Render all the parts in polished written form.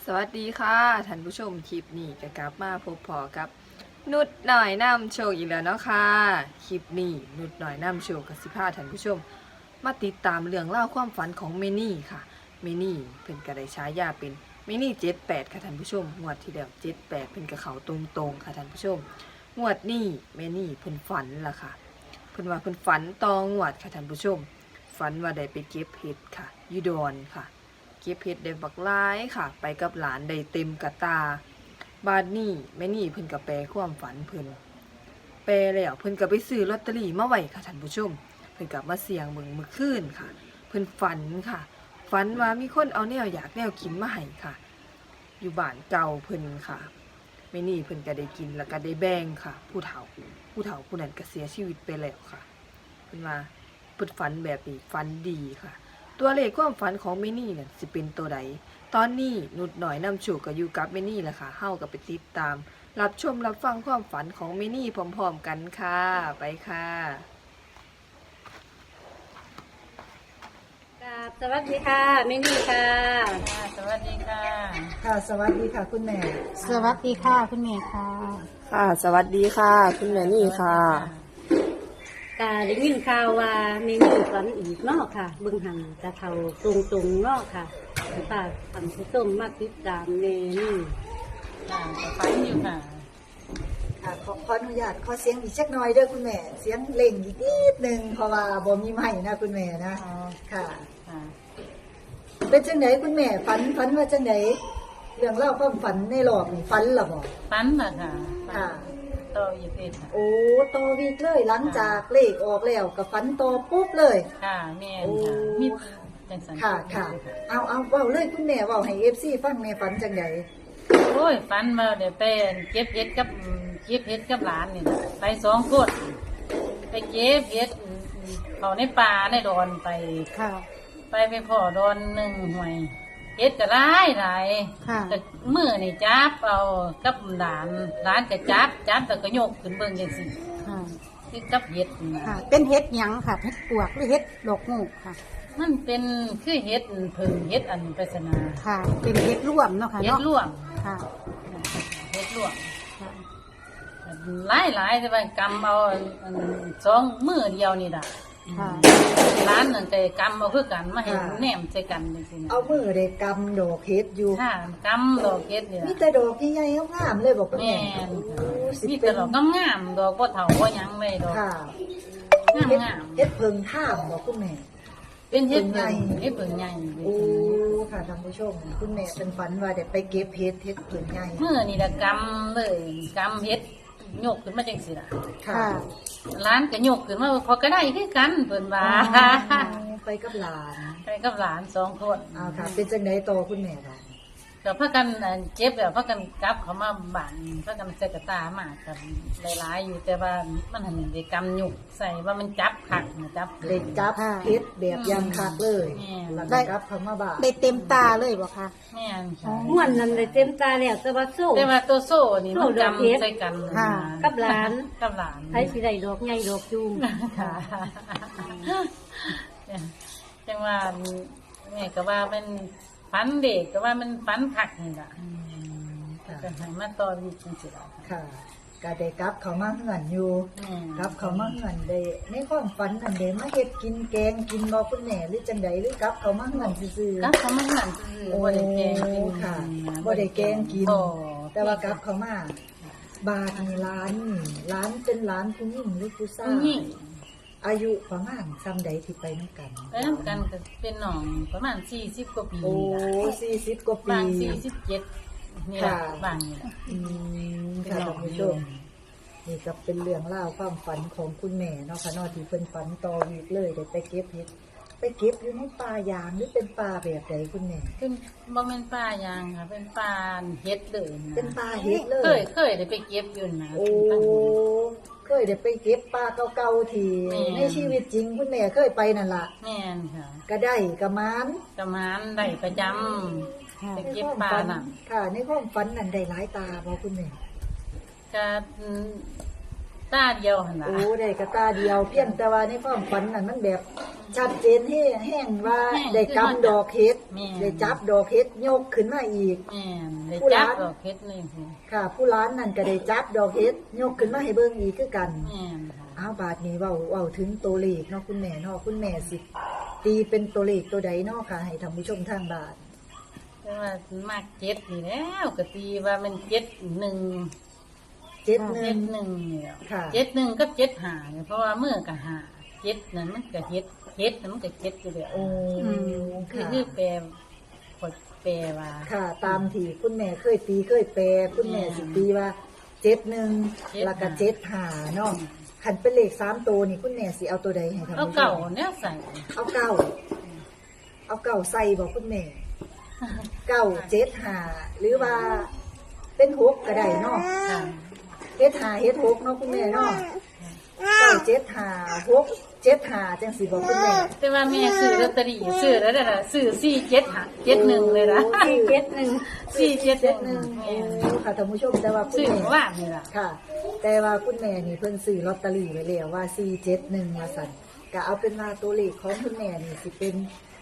สวัสดีค่ะท่านผู้ชมคลิปนี้ก็กลับมาพบพอกับนุดหน่อยนำโชคอีกแล้วเนาะค่ะคลิปนี้นุดหน่อยนำโชคกับสิพาท่านผู้ชมมาติดตามเรื่องเล่าวความฝันของเมนี่ค่ะเมนี่เพิ่นก็ได้ฉายาเป็นเมนี่78ค่ะท่านผู้ชมงวดที่แล้ว78เพิ่นกับเขาตรงๆค่ะท่านผู้ชมงวดนี้เมนี่เพิ่นฝันล่ะค่ะเพิ่นว่าเพิ่นฝันตองวดค่ะท่านผู้ชมฝันว่าได้ไปเก็บเห็ดค่ะอยู่ดอนค่ะเก็บเห็ดได้บักหลายค่ะ ไปกับหลานได้เต็มกระตาบาดนี้แม่นี่เพิ่นก็แปลความฝันเพิ่นแปลแล้วเพิ่นก็ไปซื้อลอตเตอรี่มาไว้ค่ะท่านผู้ชมเพิ่นก็มาเสี่ยงเบิ่งมื้อคืนค่ะเพิ่นฝันค่ะฝันว่ามีคนเอาแนวอยากแนวกินมาให้ค่ะอยู่บ้านเก่าเพิ่นค่ะแม่นี่เพิ่นก็ได้กินแล้วก็ได้แบ่งค่ะผู้เฒ่าผู้นั้นก็เสียชีวิตไปแล้วค่ะเพิ่นว่าเพิ่นฝันแบบนี้ฝันดีค่ะตัวเลขความฝันของเมนี่เนี่ยสิเป็นตัวใดตอนนี้นุดหน่อยนำโชคก็อยู่กับเมนี่แหละค่ะเฮาก็ไปติดตามรับชมรับฟังความฝันของเมนี่พร้อมๆกันค่ะไปค่ะครับสวัสดีค่ะเมนี่ค่ะค่ะสวัสดีค่ะค่ะสวัสดีค่ะคุณแม่สวัสดีค่ะคุณแม่ค่ะค่ะสวัสดีค่ะคุณแม่นี่ค่ะกาได้ยินข่าวว่าเมนี่ฝันอีกเนอกค่ะเบิ่งหันกะเทาตรงๆเนอกค่ะค่ะทำผู้ชมมาติดตามเมนี่ค่ะฟันอยู่ค่ะค่ะขออนุญาตขอเสียงอีกสักหน่อยเด้อคุณแม่ เสียงเล่งอีกนิดนึงเพราะว่าบ่มีไม้นะคุณแม่นะอ๋อค่ะค่ะเป็นจังไหนคุณแม่ฝันว่าจังไหนเรื่องเล่าความฝันในรอบนี่ฝันล่ะบ่ฟันน่ะค่ะค่ะต่ออีกเอ็ดค่ะโอ้ต่อวีกเลยหลังจากเลขออกแล้วก็ฝันต่อปุ๊บเลยค่ะแม่นโอ้ค่ะมีจังสันค่ะค่ะเอาเว้าเลยคุณแม่เว้าให้ FC ฟังแม่ฝันจังไดโอ้ยฟันมาเดี๋ยวไปเก็บเห็ดกับหลานนี่น่ะไปสองคนไปเก็บเห็ดเขาในป่าในดอนไปค่ะไปพ่อดอนหนึ่งห่วยเห็ดก็หลายค่ะแต่มือนี่จับเอากับหลานก็จับแต่ก็โยกขึ้นเบิ่งจังซี่ค่ะคือกับเห็ดนี่ค่ะนะเป็นเฮ็ดหยังค่ะ เฮ็ดปวกหรือเฮ็ดดอกงูกค่ะมันเป็นคือเห็ดผึ่งเห็ดอันปริศนาค่ะ เป็นเฮ็ดร่วมเนาะค่ะเห็ดเนาะร่วงค่ะเห็ดร่วงค่ะหลายแต่ว่ากำเอาอันสองมือเดียวนี่ล่ะค่ะร้านนั่นแต่กำเอาคือกันมาเห็นแนมใส่กันจริงๆเอามือได้กำดอกเฮ็ดอยู่ค่ะกำดอกเห็ดนี่มีล่ะแต่ดอกใหญ่ๆงามๆเลยบอกคุณแม่แม่นโอ้สิมีเป็แต่นดอกงามๆดอกบ่เฒ่าบ่หยังเลยดอกค่ะงามเฮ็ดเพิงท่ามบอกคุณแม่ๆเป็นเห็ดผึ่งใหญ่เห็ดผึ่งใหญ่โอ้ค่ะท่านผู้ชม คุณแม่เป็นฝันว่าเดี๋ยวไปเก็บเฮ็ดเพิงใหญ่มือนี่ล่ะกำเลยกำเห็ดโยกขึ้นมาจังซี่ล่ะค่ะค่ะร้านก็ยกขึ้นมาพอก็ได้คือกันเพิ่นว่าไปกับหลานไปกับหลานสองคนเอาค่ะ เป็นจังไดต่อคุณแม่บ้างก็พากันเจ็บแล้วพากันกลับเขามาบ้านพากันใส่กระตามากันหลายๆอยู่แต่ว่ามันหันได้กำหยุกใส่ว่ามันจับขักนะจับเด็กจับค่ะเฮ็ดแบบยังคักเลยแม่แล้วได้ก็กลับเข้ามาบ้านได้เต็มตาเลยบ่คะแม่นค่ะม่วนนั้นเลยเต็มตาแล้วแต่ว่าโซ่แต่ว่าตัวโซ่นี่มันโซ่ดอกเห็ดกำใส่กันค่ะกับหลานกับหลานใช้สิได้ดอกใหญ่ดอกจูงค่ะจังว่าแม่ก็ว่าเป็นฝันเด็กก็ว่ามันฝันขักนี่ล่ะค่ะก็ให้มาต่อวิจังสิล่ะค่ะก็ได้กลับเข้ามาเฮือนอยู่แม่กลับเข้ามาเฮือนได้ในความฝันอันเดมาเฮ็ดกินแกงกินบ่คุณแม่หรือจังใดหรือกลับเข้ามาเฮือนซื่อๆก็เขามาหันซื้อบ่ได้แกงกินค่ะบ่ได้แกงกินบ่แต่ว่ากลับเข้ามาบาทนี่ร้านนี่ร้านเป็นร้านผู้หญิงหรือผู้ชาผู้ยหญิงอายุประมาณซ้ำใดที่ไปนำกันไปนำกันก็เป็นน้องประมาณ40กว่าปีโอ้นี่ล่ะ 40กว่าปีบาง47นี่ล่ะค่ะบางนี่ล่ะอืมค่ะท่านผู้ชมนี่ก็เป็นเรื่องเล่าวความฝันของคุณแม่เนาะค่ะเนอที่เพิ่นฝันต่อวีกเลยได้ไปเก็บเห็ดไปเก็บอยู่ในป่ายางหรือเป็นป่าแบบใดคุณแม่เป็นบ่แม่นป่ายางค่ะ เป็นป่าเฮ็ดเลยนะเป็นป่าเห็ดเลยเคยได้ไปเก็บอยู่นะโอ้เคยได้ไปเก็บปลาเก่าๆที่แม่ในชีวิตจริงคุณแม่เคยไปนั่นล่ะแม่นค่ะก็ได้กระมานประมาณได้ประจำค่ะไปเก็บปลาน่ะค่ะ ในความฝันนั่นได้หลายตาบ่คุณแม่ก็ตาเดียวหั่นน่ะโอ้ได้กระตาเดียวเพียงแต่ว่าในความฝันนั่นมันแบบชัดเจนแห้งว่าได้กำดอกเฮ็ดได้จับดอกเฮ็ดยกขึ้นมาอีกแม่นได้จับดอกเฮ็ดนี่สิค่ะ ผู้ร้านนั่นก็ได้จับดอกเฮ็ดยกขึ้นมาให้เบิ่งอีกคือกันแม่นค่ะเอาบาทนี้เว้าถึงตัวเลขเนาะคุณแม่เนาะคุณแม่สิตีเป็นตัวเลขตัวใดเนาะค่ะให้ท่านผู้ชมทางบ้านแต่ว่ามากเจ็ดนี่แล้วก็ตีว่ามันเจ็ดหนึ่งเจ็ดหเจ็นึ่งดหนึ่งเนี่ยค่ะเจ็ดหนึ่งกับเจ็ดหาเนี่ยเพราะว่าเมื่อกับหาเจ็ดนั่นมันก็เฮ็ดเฮ็ดนั่นมันก็เจ็ดอยู่แล้วโอ้คือค่ะคือแปลกดแปลว่าค่ะ ตามที่คุณแม่เคยตีเคยแปลคุณแม่สิตีว่าเจ็ดหนึ่งแล้วก็เจ็ดหาเนาะขันเป็นเลข3ตัวนี่คุณแม่สิเอาตัวใดให้ท่านเอาผู้ชเก่าม เนี่ยใส่เอาเก้าใส่บอกคุณแม่เก้าเจ็ดหาหรือว่าเป็นหกก็ได้เนาะค่ะเฮ็ดหาเฮ็ดหกเนาะคุณแม่เนาะเก้าเจ็ดหาหกเจ็ดหาจังสิบอกคุณแม่แต่ว่าแม่ซื้อลอตเตอรี่ซื้อแล้วน่ะซื้อ471เลยนะ 471 471 เจ็ดหนึ่งโอ้ค่ะท่านผู้ชมแต่ว่าคุณซื้อแม่ว่านี่ล่ะค่ะ แต่ว่าคุณแม่นี่เพิ่นซื้อลอตเตอรี่ไว้แล้วว่า471ว่าซั่นก็เอาเป็นว่าตัวเลขของคุณแม่นี่สิเป็น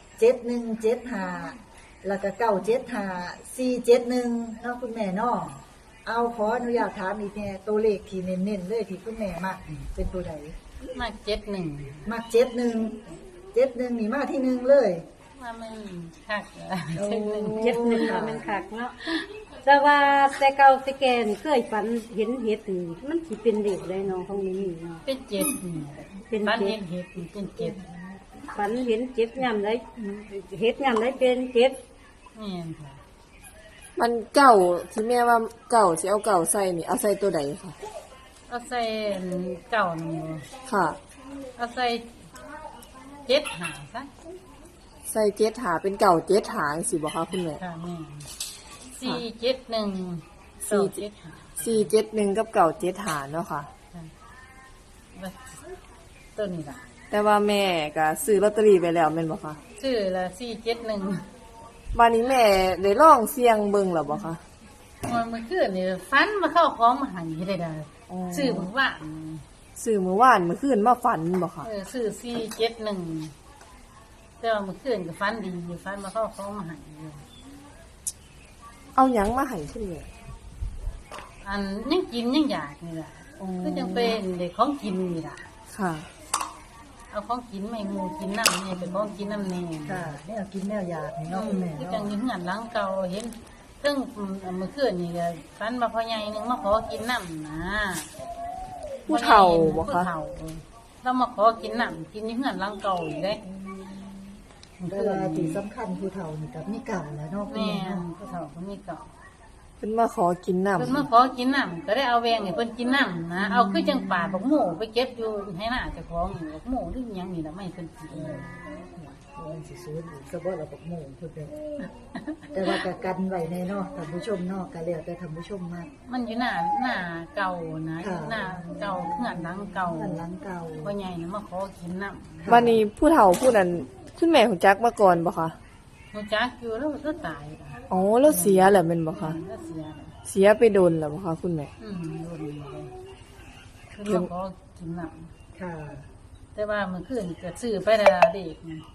7175แล้วก็975 471เนาะคุณแม่เนาะเอาขออนุญาตถามอีกแน่ตัวเลขที่เน้นๆเลยที่คุณแม่มักนี่เป็นตัวใดมา71 มัก71นี่มาที่หนึ่งเลยว่ามันคักโอ้ 71ค่ะมันคักเนาะแต่ว่าแต่เก่าแต่แก่นี่เคยฝันเห็นเห็ดนี่มันสิเป็นเด็กเลยเนาะของนี่เนาะเป็นเจ็ดนี่เป็นบ้านเจ็เห็ดดเป็นเจ็ดฝันเห็นเจ็บยามใดเห็ดยามใดเป็นเจ็บแม่นค่ะมันเก่าที่แม่ว่าเก่าสิเอาเก่าใส่นี่เอาใส่ตัวใดค่ะเอาใส่เก่าหนึ่งค่ะเอาใส่เจ็ดหาซะใส่เจ็ดหาเป็นเก่าเจ็ดหางสิบอกค่ะคุณแม่ค่ะแม่471 471กับเก่าเจ็ดหาเนาะค่ะตัวนี้ล่ะแต่ว่าแม่ก็ซื้อลอตเตอรี่ไปแล้วแม่นบ่คะชื่อละ471 วันนี้แม่ได้ลองเสี่ยงเบิ่งแล้วบ่คะมันคืนนี่ฟันมาเข้าของมาใหายได้ได้ชื่อเพิ่นว่าซื้อมื้อวานมื้อคืนมาฝันบ่คะชื่อ471แต่ว่าเมื่อคืนก็ฟันดีอยู่ฟันมาเข้าของมาใหายอยู่เอาหยังมาให้คุณแม่อันยังกินยังอยากนี่ล่ะคือจังเป็นเด็กของกินนี่ล่ะค่ะเอาของกินไม่หมูกินน้ำเนี่ยเป็นของกินน้ำเนี่ยค่ะแนวกินแนวอยากนี่เนาะคุณแม่คือเนาะจังยิงหันหลังเก่าเห็นซึ่งเมื่อคืนนี่ก็ฟันมาพ่อใหญ่นึงมาขอกินน้ำนะผู้เฒ่าบ่ผู้คะเฒ่าเรามาขอกินน้ำกินยิงหันหลังเก่าอยู่เลยแต่ว่าที่สำคัญผู้เฒ่านี่กับมีเก่าแล้วเนาะคุณแม่แม่เนาะผู้เฒ่าเขามีเก่าเพิ่นมาขอกินน้ำเพิ่นมาขอกินน้ำก็ได้เอาแวงให้เพิ่นกินน้ำนะเอาคือจังป่าบักหมูไปเก็บอยู่ให้หน้าเจ้าของนี่บักหมูหรือหยังนี่ละไม่เพิ่นกินมันสิสูญอีกซะบ่ล่ะบักโมงพุ่นเด้อแต่ว่าก็กันไว้แน่เนาะท่านผู้ชมเนาะก็แล้วแต่ท่านผู้ชมมากมันอยู่หน้าเก่านะอยู่หน้าเก่าเงื่อนหลังเก่าท่านหลังเก่าพ่อใหญ่น่ะมาขอกินน้ำวันนี้ผู้เฒ่าผู้นั้นคุณแม่ฮู้จักมาก่อนบ่คะหนูจักอยู่แล้วก็ตายอ่ะอ๋อแล้วเสียแล้วแม่นบ่คะแล้วเสียเสียไปโดนแล้วบ่คะคุณแม่โดนเลยคือมาขอกินน้ค่ะำแต่ว่าเมื่อคืนก็ซื้อไปแล้วเด็กนะ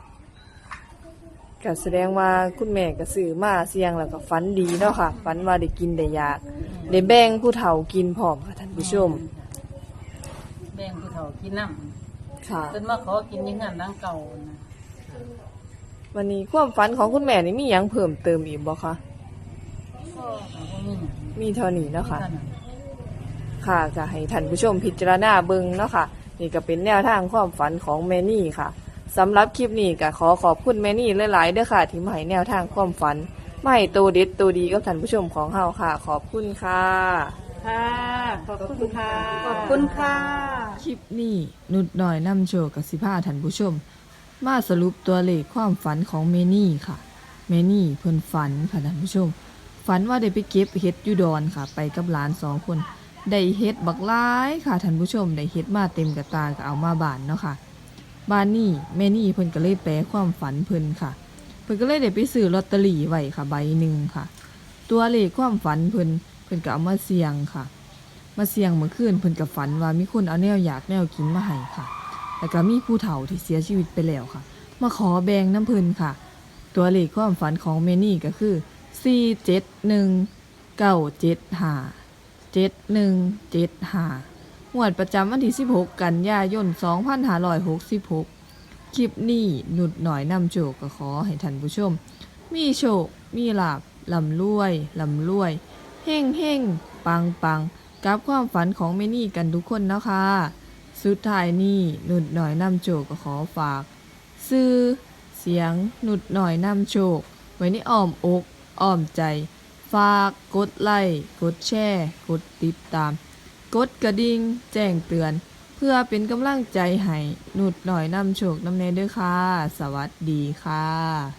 ก็แสดงว่าคุณแม่ก็ซื้อมาเสี่ยงแล้วก็ฝันดีเนาะค่ะฝันว่าได้กินได้อยากได้แบ่งผู้เฒ่ากินพร้อมค่ะท่านผู้ชมแบ่งผู้เฒ่ากินน้ค่ะำเพิ่นมาขอกินอยังงั้นหลังเก่านะวันนี้ความฝันของคุณแม่นี่มีหยังเพิ่มเติมอีกบ่คะก็บ่มีหยังมีเท่านี้เนาะค่ะเท่านั้นค่ะก็ให้ท่านผู้ชมพิจารณาเบิ่งเนาะค่ะ นี่ก็เป็นแนวทางความฝันของแม่นี่ค่ะสำหรับคลิปนี้ก็ขอขอบคุณแม่นี่หลายๆเด้อค่ะ ที่มาให้แนวทางความฝันมาให้ตัวเด็ดตัวดีกับท่านผู้ชมของเฮาค่ะ ขอบคุณค่ะค่ะขอบคุณค่ะขอบคุณค่ะคลิปนี้นุดหน่อยนำโชว์กับสิพาท่านผู้ชม มาสรุปตัวเลขความฝันของเมนี่ค่ะเมนี่เพิ่นฝันค่ะท่านผู้ชม ฝันว่าได้ไปเก็บเห็ดอยูดอนค่ะ ไปกับหลาน2 คนได้เห็ดบักหลายค่ะท่านผู้ชมได้เห็ดมาเต็มกระตาก็เอามาบ้านเนาะค่ะบ้านนี้แม่นี่เพิ่นก็เลยแปลความฝันเพิ่นค่ะ เพิ่นก็เลยได้ไปซื้อลอตเตอรี่ไว้ค่ะใบหนึ่งค่ะ ตัวเลขความฝันเพิ่นก็เอามาเสี่ยงค่ะมาเสี่ยงเมื่อคืนเพิ่นก็ฝันว่ามีคนเอาแนวอยากแนวกินมาให้ค่ะ แล้วก็มีผู้เฒ่าที่เสียชีวิตไปแล้วค่ะ มาขอแบ่งน้ำเพิ่นค่ะ ตัวเลขความฝันของเมนี่ก็คือ 471-975-7175 งวดประจำวันที่ 16 กันยายน 2566 คลิปนี้นุดหน่อยนำโชคก็ขอให้ท่านผู้ชม มีโชค มีลาภร่ำรวยร่ำรวย เฮ่งเฮ่งปังปังกับความฝันของเมนี่กันทุกคนนะคะ สุดท้ายนี้นุดหน่อยนำโชคก็ขอฝาก ซื้อเสียงนุดหน่อยนำโชค ไว้ในอ้อมอกอ้อมใจ ฝากกดไลค์กดแชร์กดติดตาม กดกระดิ่งแจ้งเตือน เพื่อเป็นกำลังใจให้นุดหน่อยนำโชคนำเนเด้อค่ะ สวัสดีค่ะ